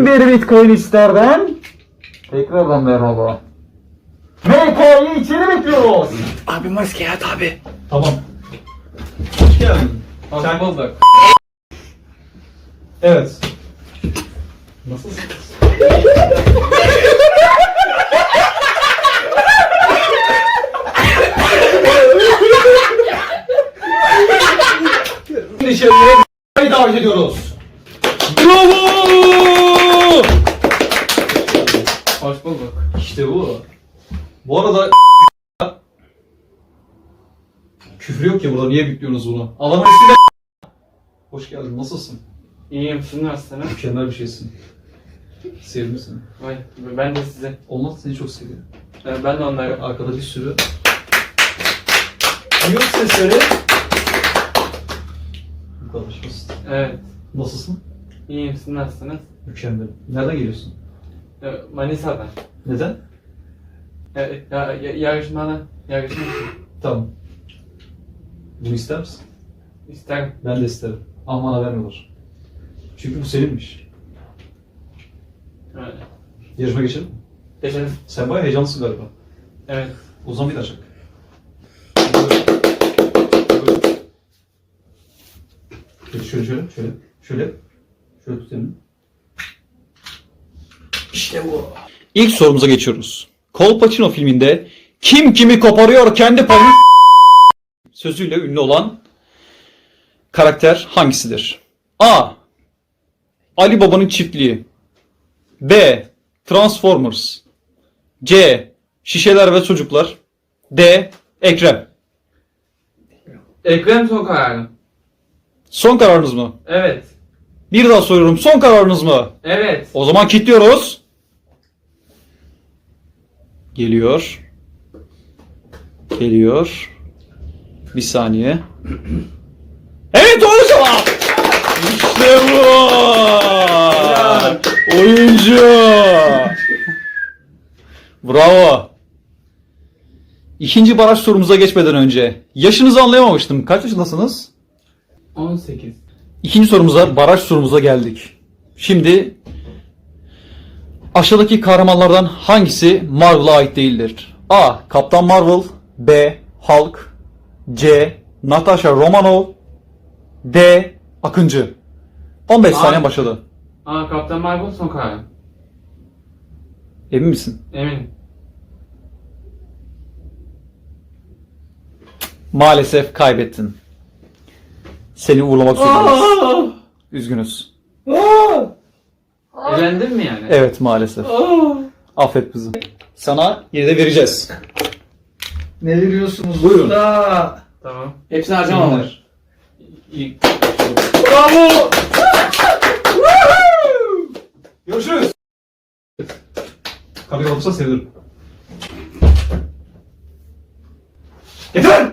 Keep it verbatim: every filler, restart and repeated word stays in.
Kim bir bitcoin ister ben? Tekrardan merhaba. M K'yi içeri bekliyoruz. Abi maske at abi. Tamam. Hoş geldin. Hoş bulduk. Evet. Nasılsın? Dışarıya davet ediyoruz. Bravo! Hoş bulduk. İşte bu. Bu arada küfür yok ya burada, niye bekliyorsunuz bunu? Adamın ismi de Hoş geldin, nasılsın? İyiyim, siz nasılsınız? Mükemmel bir şeysin. Sevdim seni. Vay, ben de sizi. Onlar seni çok seviyor. Ee, Ben de onları. Arkada bir sürü yok sesleri. Bu kadar basit. Evet. Nasılsın? İyiyim, siz nasılsınız? Mükemmel. Nereden geliyorsun? Ee, Manisa'dan. Neden? Ee, ya, ya, yarışmadan. Yarışmak için. Tamam. Bunu ister misin? İsterim. Ben de isterim. Ama bana vermiyorlar. Çünkü bu seninmiş. Evet. Yarışma geçelim mi? Geçelim. Sen bayağı heyecanlısın galiba. Evet. O zaman bir daha çak. Şöyle şöyle şöyle şöyle şöyle şöyle tutayım. İşte bu. İlk sorumuza geçiyoruz. Kolpaçino filminde kim kimi koparıyor kendi payını sözüyle ünlü olan karakter hangisidir? A. Ali Baba'nın çiftliği. B. Transformers. C. Şişeler ve çocuklar. D. Ekrem. Ekrem son kararım. Son kararınız mı? Evet. Bir daha soruyorum. Son kararınız mı? Evet. O zaman kilitliyoruz. Geliyor. Geliyor. Bir saniye. Evet, doğru cevap. İşte bu. Oyuncu. Bravo. İkinci baraj sorumuza geçmeden önce yaşınızı anlayamamıştım. Kaç yaşındasınız? on sekiz. İkinci sorumuza, baraj sorumuza geldik. Şimdi aşağıdaki kahramanlardan hangisi Marvel'a ait değildir? A. Kaptan Marvel. B. Hulk. C. Natasha Romanoff. D. Akıncı. on beş A. saniye başladı. Aa, Kaptan Marvel son kararım. Emin misin? Eminim. Maalesef kaybettin. Seni uğurlamak zorundayız. Üzgünüz. Elendin mi yani? Evet, maalesef. Affet bizi. Sana yine de vereceğiz. Ne veriyorsunuz? Buyurun. burada? Tamam. Hepsini harcamam var. İyi. Bravo! Görüşürüz. Kapıyı kapatırsa sevinirim. Yeter!